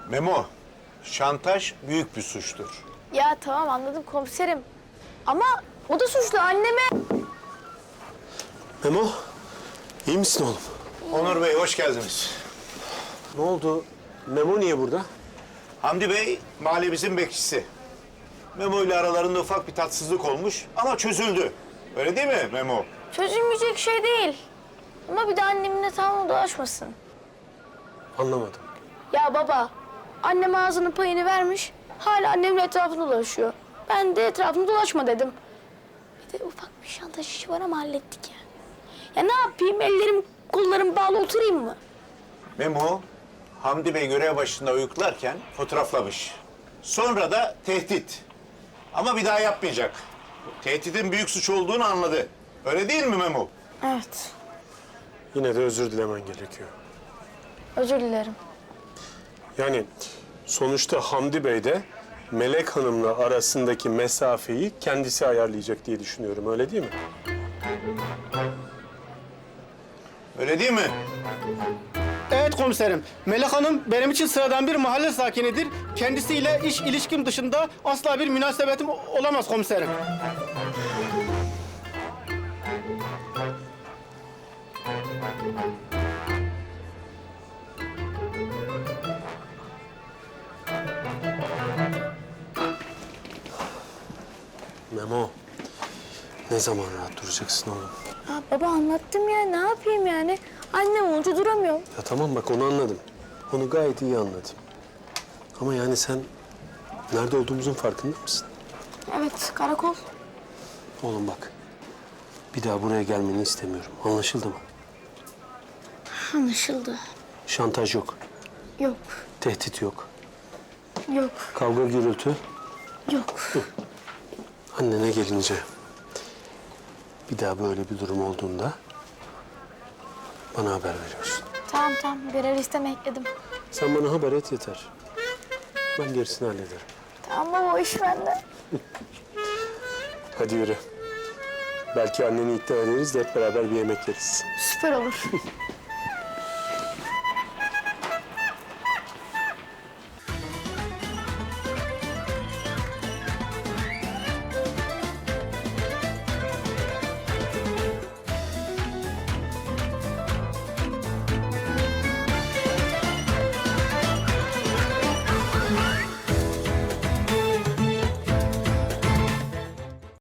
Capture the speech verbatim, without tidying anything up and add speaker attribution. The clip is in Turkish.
Speaker 1: Memo, şantaj büyük bir suçtur.
Speaker 2: Ya tamam anladım komiserim. Ama o da suçlu anneme.
Speaker 3: Memo, iyi misin oğlum?
Speaker 1: Onur Bey, hoş geldiniz.
Speaker 3: Ne oldu? Memo niye burada?
Speaker 1: Hamdi Bey, mahallemizin bekçisi. Memo ile aralarında ufak bir tatsızlık olmuş ama çözüldü. Öyle değil mi Memo?
Speaker 2: Çözülmeyecek şey değil. Ama bir de annemin etrafına dolaşmasın.
Speaker 3: Anlamadım.
Speaker 2: Ya baba, annem ağzının payını vermiş. Hala annemin etrafında dolaşıyor. Ben de etrafında dolaşma dedim. Bir de ufak bir şantaj işi var ama hallettik ya. Ya ne yapayım? Ellerim, kollarım bağlı oturayım mı?
Speaker 1: Memo, Hamdi Bey görev başında uyuklarken fotoğraflamış. Sonra da tehdit. Ama bir daha yapmayacak. Tehditin büyük suç olduğunu anladı. Öyle değil mi Memo?
Speaker 2: Evet,
Speaker 3: Yine de özür dilemen gerekiyor.
Speaker 2: özür dilerim.
Speaker 3: Yani sonuçta Hamdi Bey de Melek Hanım'la arasındaki mesafeyi kendisi ayarlayacak diye düşünüyorum. Öyle değil mi?
Speaker 1: Öyle değil mi?
Speaker 4: Evet komiserim. Melek Hanım benim için sıradan bir mahalle sakinidir. Kendisiyle iş ilişkim dışında asla bir münasebetim olamaz komiserim.
Speaker 3: Memo, ne zaman rahat duracaksın oğlum?
Speaker 2: Ya baba anlattım ya, ne yapayım yani? Annem olunca duramıyorum.
Speaker 3: Ya tamam bak onu anladım. Onu gayet iyi anladım. Ama yani sen nerede olduğumuzun farkında mısın?
Speaker 2: Evet, karakol.
Speaker 3: Oğlum bak, bir daha buraya gelmeni istemiyorum. Anlaşıldı mı?
Speaker 2: Anlaşıldı.
Speaker 3: Şantaj yok,
Speaker 2: Yok,
Speaker 3: tehdit yok,
Speaker 2: yok,
Speaker 3: kavga gürültü.
Speaker 2: yok.
Speaker 3: Annene gelince bir daha böyle bir durum olduğunda bana haber veriyorsun.
Speaker 2: Tamam tamam, görev listeme ekledim.
Speaker 3: Sen bana haber et yeter. Ben gerisini hallederim.
Speaker 2: Tamam baba, o iş bende.
Speaker 3: Hadi yürü. Belki anneni ikna ederiz de hep beraber bir yemek yeriz.
Speaker 2: Süper olur.